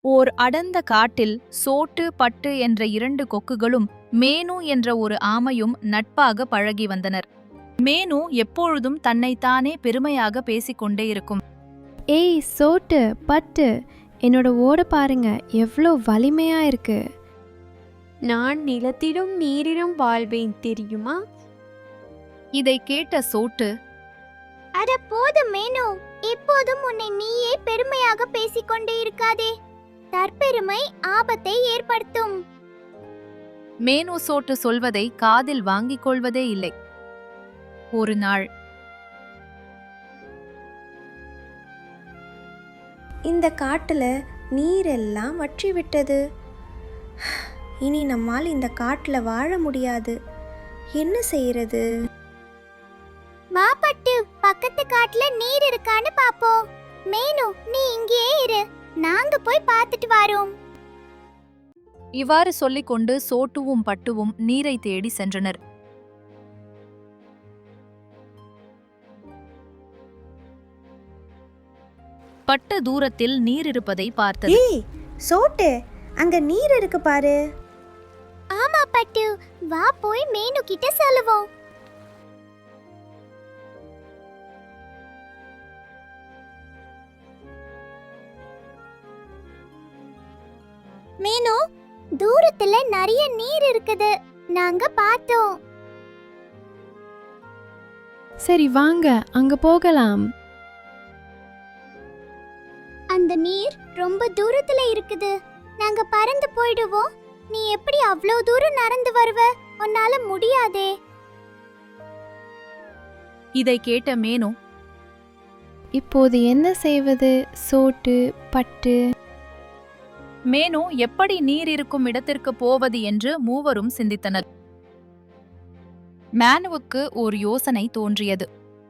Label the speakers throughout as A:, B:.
A: ஓர் அடர்ந்த காட்டில் சோட்டு பட்டு என்ற இரண்டு கொக்குகளும் மேனு என்ற ஒரு ஆமையும் நட்பாக பழகி வந்தனர். மேனு எப்பொழுதும் தன்னைத்தானே பெருமையாக பேசிக்கொண்டே இருக்கும்.
B: ஏய் சோட்டு பட்டு, என்னோட ஓட பாருங்க எவ்வளோ வலிமையா இருக்கு.
C: நான் நிலத்திலும் நீரிலும் வாழ்வேன் தெரியுமா?
A: இதை கேட்ட சோட்டு,
D: அட போதும் மேனு, எப்போதும் உன்னை நீயே பெருமையாக பேசிக்கொண்டே இருக்காதே. தற்பெருமை ஆபத்தை ஏற்படுத்தும்.
A: மேனு சோட்டு சொல்வதை காதில் வாங்கிக் கொள்வதே இல்லை. ஒரு நாள்
E: இந்த காட்டில் நீரெல்லாம் வற்றி விட்டது. இனி நம்மால் இந்த காட்டில் வாழ முடியாது. என்ன செய்யறது?
D: வா பட்டு, பக்கத்து காட்டுல நீர் இருக்கான்னு பாப்போம். மேனு, நீ இங்கேயே இரு, நாங்க போய் பார்த்துட்டு வரோம்.
A: இவ்வாறு சொல்லிக்கொண்டு சோட்டுவும் பட்டுவும் நீரை தேடி சென்றனர். பட்டு தூரத்தில் நீர் இருப்பதை பார்த்தது.
E: ஏய் சோட்டு, அங்க நீர் இருக்கு பாரு.
D: ஆமா பட்டு, வா போய் மேனு கிட்ட சொல்லுவோம். மேனு, தூரத்துல நிறைய நீர் இருக்குது, நாங்க பார்த்தோம்.
B: சரி வாங்க அங்க போகலாம்.
D: அந்த நீர் ரொம்ப தூரத்துல இருக்குது, நாங்க பறந்து போயிடுவோம். நீ எப்படி அவ்வளோ தூரம் நடந்து வருவ? உன்னால முடியாதே.
A: இதை கேட்ட மேனு,
B: இப்போது என்ன செய்வது சோட்டு பட்டு?
A: மேனு எப்படி நீர் இருக்கும் இடத்திற்கு போவது என்று மூவரும் சிந்தித்தனர். மேனுவுக்கு ஒரு யோசனை தோன்றியது.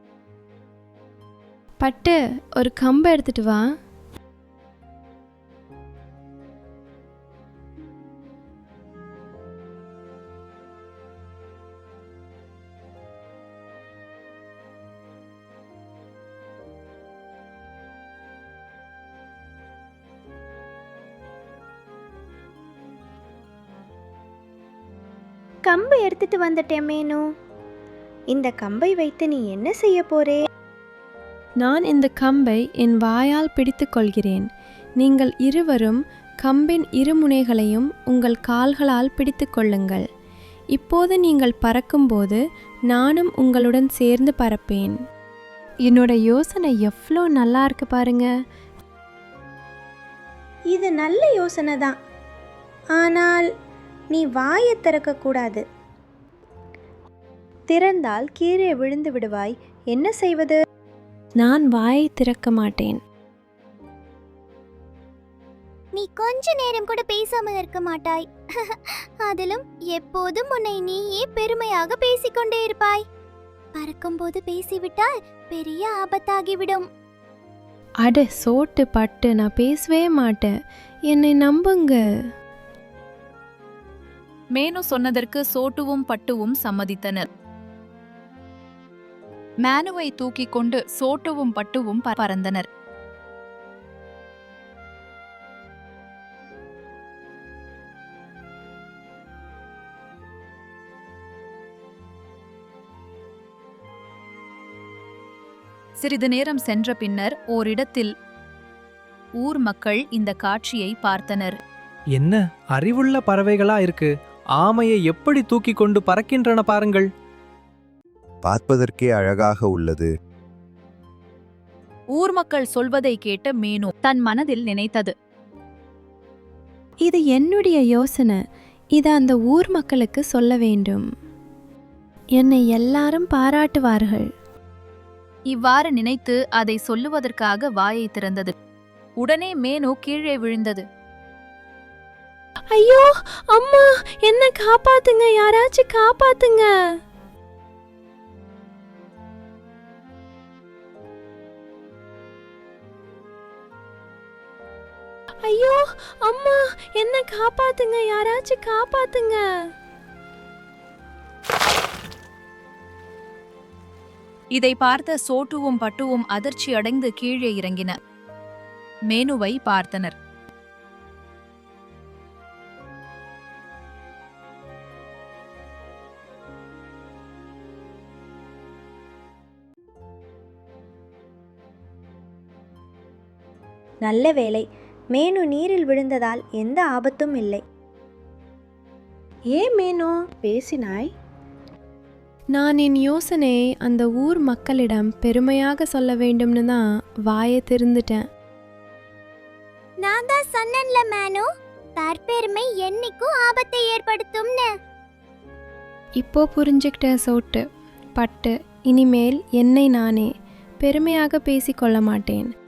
B: பட்டு, ஒரு கம்பை எடுத்துட்டு வா.
E: கம்பை எடுத்துட்டு வந்துட்டேன் மேனு. இந்த கம்பை வைத்து நீ என்ன செய்ய போறே?
B: நான் இந்த கம்பை என் வாயால் பிடித்துக் கொள்கிறேன். நீங்கள் இருவரும் கம்பின் இருமுனைகளையும் உங்கள் கால்களால் பிடித்து கொள்ளுங்கள். இப்போது நீங்கள் பறக்கும்போது நானும் உங்களுடன் சேர்ந்து பறப்பேன். என்னோட யோசனை எவ்வளோ நல்லா இருக்கு பாருங்க.
E: இது நல்ல யோசனை தான், ஆனால் நீ வாயை திறக்கக்கூடாது. திறந்தால் கீழே விழுந்து விடுவாய். என்ன செய்வது?
B: நான் வாயை திறக்க மாட்டேன்.
D: நீ கொஞ்ச நேரம் கூட பேசாமல் இருக்க மாட்டாய். அதிலும் எப்போதும் உன்னை நீயே பெருமையாக பேசிக்கொண்டே இருப்பாய். பறக்கும்போது பேசிவிட்டால் பெரிய ஆபத்தாகிவிடும்.
B: அட சோட்டு பட்டு, நான் பேசவே மாட்டேன், என்னை நம்புங்க.
A: மேனு சொன்னதற்கு சோட்டுவும் பட்டுவும் சம்மதித்தனர். மேனுவை தூக்கிக் கொண்டு சோட்டுவும் பட்டுவும் பறந்தனர். சிறிது நேரம் சென்ற பின்னர் ஓரிடத்தில் ஊர் மக்கள் இந்த காட்சியை பார்த்தனர்.
F: என்ன அறிவுள்ள பறவைகளா இருக்கு! ஆமையை எப்படி தூக்கி கொண்டு பறக்கின்றன பாருங்கள்.
G: பார்ப்பதற்கே அழகாக உள்ளது.
A: ஊர் மக்கள் சொல்வதை கேட்ட மேனு தன் மனதில் நினைத்தது.
B: இது என்னுடைய யோசனை. இதை அந்த ஊர் மக்களுக்கு சொல்ல வேண்டும். என்னை எல்லாரும் பாராட்டுவார்கள்.
A: இவ்வாறு நினைத்து அதை சொல்லுவதற்காக வாயை திறந்தது. உடனே மேனு கீழே விழுந்தது.
B: ஐயோ அம்மா, என்ன காப்பாத்துங்க, யாராச்சும் காப்பாத்துங்க. ஐயோ அம்மா, என்ன காப்பாத்துங்க, யாராச்சும் காப்பாத்துங்க.
A: இதை பார்த்த சோட்டுவும் பட்டுவும் அதிர்ச்சி அடைந்து கீழே இறங்கின. மேனுவை பார்த்தனர்.
E: நல்ல வேளை, மேனு நீரில் விழுந்ததால் எந்த ஆபத்தும் இல்லை.
H: ஏன் மேனு பேசினாய்?
B: நான் என் யோசனையை அந்த ஊர் மக்களிடம் பெருமையாக சொல்ல வேண்டும்னு தான் வாயை திறந்துட்டேன்.
D: நான் தான் சொன்னேன்ல மேனு, தற்பெருமை என்னைக்கும் ஆபத்தை ஏற்படுத்தும்னு.
B: இப்போ புரிஞ்சுக்கிட்ட சோட்டு பட்டு, இனிமேல் என்னை நானே பெருமையாக பேசிக்கொள்ள மாட்டேன்.